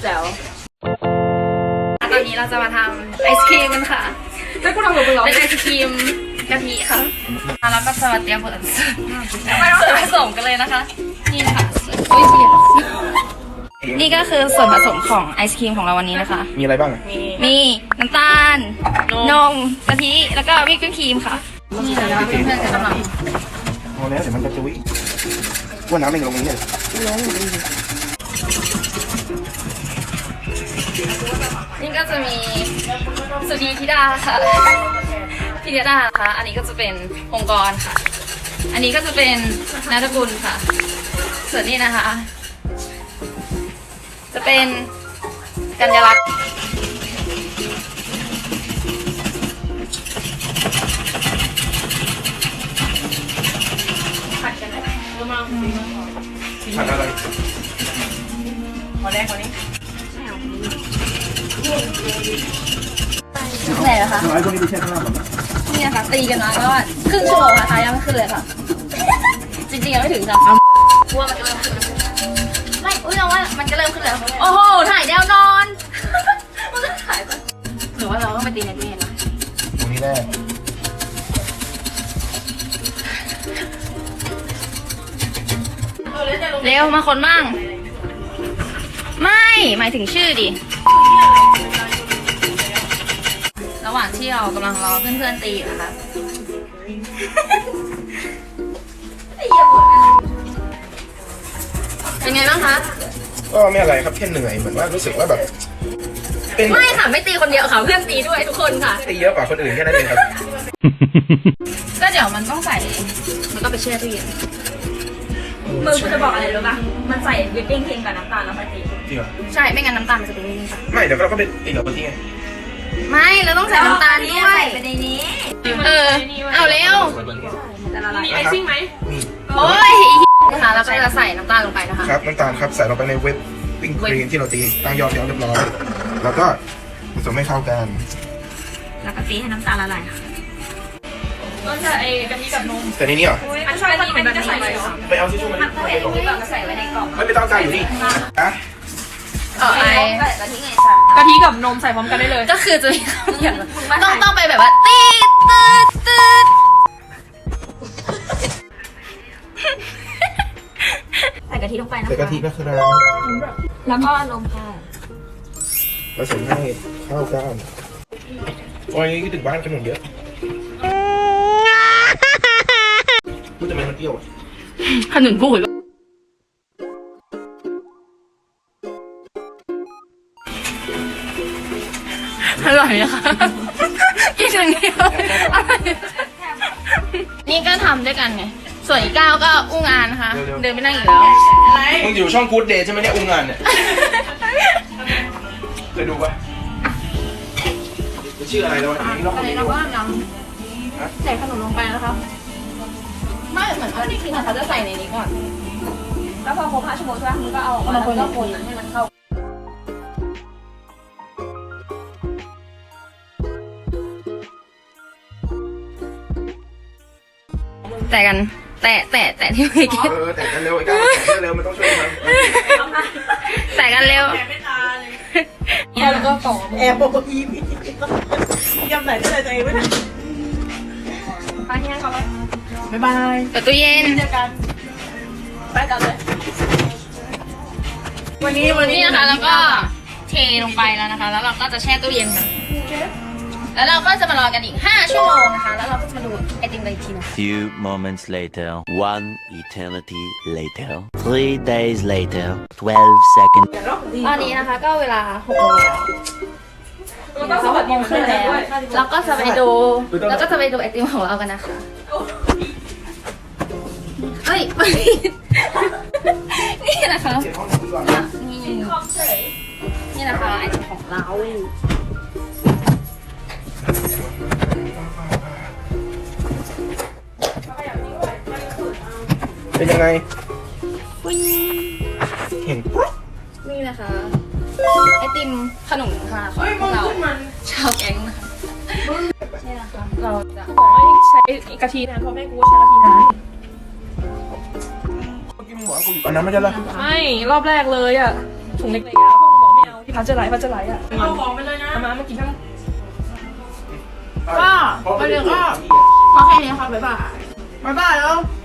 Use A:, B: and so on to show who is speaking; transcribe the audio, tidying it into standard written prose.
A: แจ๋ว
B: ตอนนี้เราจะมาทำไอศครีมกันค่ะ
A: แล้วกูทำกับมึงเหรอ
B: เป็นไอศครีมกะทิค่ะแล้วก็จะมาเตรียมส่วนผสมกันเลยนะคะ นี่ค่ะนี่ก็คือส่วนผสมของไอศครีมของเราวันนี้นะคะ
C: มีอะไรบ้างอะ
B: มีน้ำตาล นมกะทิ แล้วก็วิปครีมค่ะ นี่นะคะเพื่อนๆกำลัง
C: พอแล้วเดี๋ยวมันจะจุ้ยว่าน้ำไม่ลงนี้เลย
B: นี่ก็จะมีสุนีธิดาค่ะพิธิดาค่ะ อันนี้ก็จะเป็นองค์กรค่ะ อันนี้ก็จะเป็นนาฏกุลค่ะ ส่วนนี้นะคะ จะเป็นกัญญาลักษณ์ผัดกันไหม
C: ผัดอะไร
A: ขอแรกคนนี้
B: ไหนนะคะ
C: น้อยพวกนี้ไปแช่ข้างล่างก่อนนะ
B: นี่นะคะตีกันมาก็ครึ่งชั่วโมงนะคะยังไม่ขึ้นเลยค่ะ จริงๆยังไม่ถึงค่ะกลัวมันจะเริ่มขึ้นไม่อุ้ยเราว่ามันจะเริ่มขึ้นแล้วโอ้โหถ่ายแนวนอนมันจะถ่ายปะหรือว่าเราต้องไปตีในตู้เย็นนะ
C: ตรงนี้แรก
B: เร็วมาคนบ้างไม่หมายถึงชื่อดิระหว่างที่เรากำลังรอเพื่อนๆตีอยู่นะคะเป็นไงบ้างคะ
C: ก็ไม่อะไรครับแค่เหนื่อยเหมือนว่ารู้สึกว่าแบบเป็น
B: ไม่ค่ะไม่ตีคนเดียวค่ะเพื่อนตีด้วยทุกคนค่ะ
C: ตีเยอะกว่าคนอื่นแค่นั้นเองครับ
B: ก็เดี๋ยวมันต้องใส่มันก็ไปแช่ตู้เย็น
A: มือกูจะบอกอะไรรู้ป่ะมันใส่วิปปิ้งครีมกับน้ำตาลแล้วค่อยตี
C: จริงเหรอ
B: ใช่ไม่งั้นน้ำตาลมันจะเป็นนี่ค่ะ
C: ไม่เดี๋ยวเราก็ไปตีกับคนที่ไง
B: ไม่เราต้องใส่น้ำตาลด้วย
A: ไปในนี้
B: เอาเร็ว
A: จะละลายมีไอซิ่งไหม
C: มี
B: โอ้ยนะคะเราก็จะใส่น้ำตาลลงไปนะคะ
C: ครับน้ำตาลครับใส่ลงไปในเว็บปิ้งครีมที่เราตีตั้งยอดแล้วเรียบร้อยแล้วก็ผสมให้เข้ากัน
A: แล้วก็ตีให้น้ำตาลละลายค่ะก็จะไอกะทิกับนม
C: แต่ในนี้เหรอ
A: อันนี้มันจะใส่ไปเหรอ
C: ไปเอาทิชชู่มาดิ
A: ใส่ไว้ในกล่อง
C: ไม่ต้องการอยู่นี่นะ
B: ไอ้
A: กะทิกับนมใส่พร้อมกันได้เลย
B: ก็คือจะมีคำอย่างต้องไปแบบว่าตีดตืดตืด
A: ใส่กะทิลงไปนะ
C: ใส่กะทินะครับ
A: แล้วก็นมค่ะ
C: ผสมให้เข้ากันโอ้ยคิดถึงบ้านขนมเยอะพูดทำไมมันเปรี้ยว
B: ขนุนพูดอร่อยนะคะกินอย่างเดียวนี่ก็ทำด้วยกันไงส่วนอีกก้าวก็อุ้งอานนะคะเดินไปนั่งอีกแล้ว
C: มึงอยู่ช่องกู๊ดเดย์ใช่ไหมเนี่ยอุ้งงานเนี่ยเคยดูปะชื่ออะไรแล้ววะอันนี้ลอง
B: อันนี้เราก็นำใส่ขนมลงไปนะคะไม่เหมือนว่าจริงๆเขาจะใส่ในนี้ก่อน
A: แล้วพอครบ5 ชั่วโมงใช่ไหมมึงก็เอาออกมาแล้วก็คนให้มันเข้า
B: แต่กันแต่ที่ไม่คิด
C: แต่กันเร็วไอ้ก้าวแต่กันเร็วมันต้องช่วยกัน
B: แต่กันเร็ว
A: แล้วก็ต่อ
D: แอบบอกอีพียำไหนได้เลยตัวเองไม่ทัน
A: ไปที่นั่นก่อนเลย
D: บ๊ายบาย
B: เปิดตู้เย็น
D: เจอกัน
A: ไปกันเลย
D: วันนี้
B: นี่นะคะแล้วก็เทลงไปแล้วนะคะ แล้วเราก็จะแช่ตู้เย็นกันแล้วเราก็จะมารอกันอีก5 ชั่วโมงนะคะ แล้วเราก็จะมาดูไอติมกันอีกทีนึง
E: Few moments later, one eternity later, 3 days later, 12 seconds.
B: ตอนนี้นะคะก็เวลา6 โมงแล้ว
A: แล้วก็สวัสดีขึ้นแล้ว
B: แล้วก็จะไปดูไอติมของเรากันนะคะเฮ้ย นี่นะคะนี่นะคะไอติมของเรา
C: เป็นยังไงเห็นปุ๊บ
B: นี่นะคะไอติมขนมค่ะของพวกเราชาวแก๊งนะคะนี่นะคะเราจะ
A: บอกให้ใช้กะทินานเพราะแม่กูใช้กะทินาน
C: เมื่อกี้มึงบอกว่ากูอยู่อันนั้นไม่ใช่เหรอ
A: ไม่รอบแรกเลยอ่ะถุงเล็กๆอ่ะพวกมึงบอกไม่เอา
B: พัชจะไหลอ่ะ
A: เอาของไปเลยนะ
B: เอามากินทั้ง
C: ก็
A: ไปเดี๋ยวก็พอแค่นี้ค่ะบ๊ายบาย
D: บ๊ายบายแล้ว
A: บ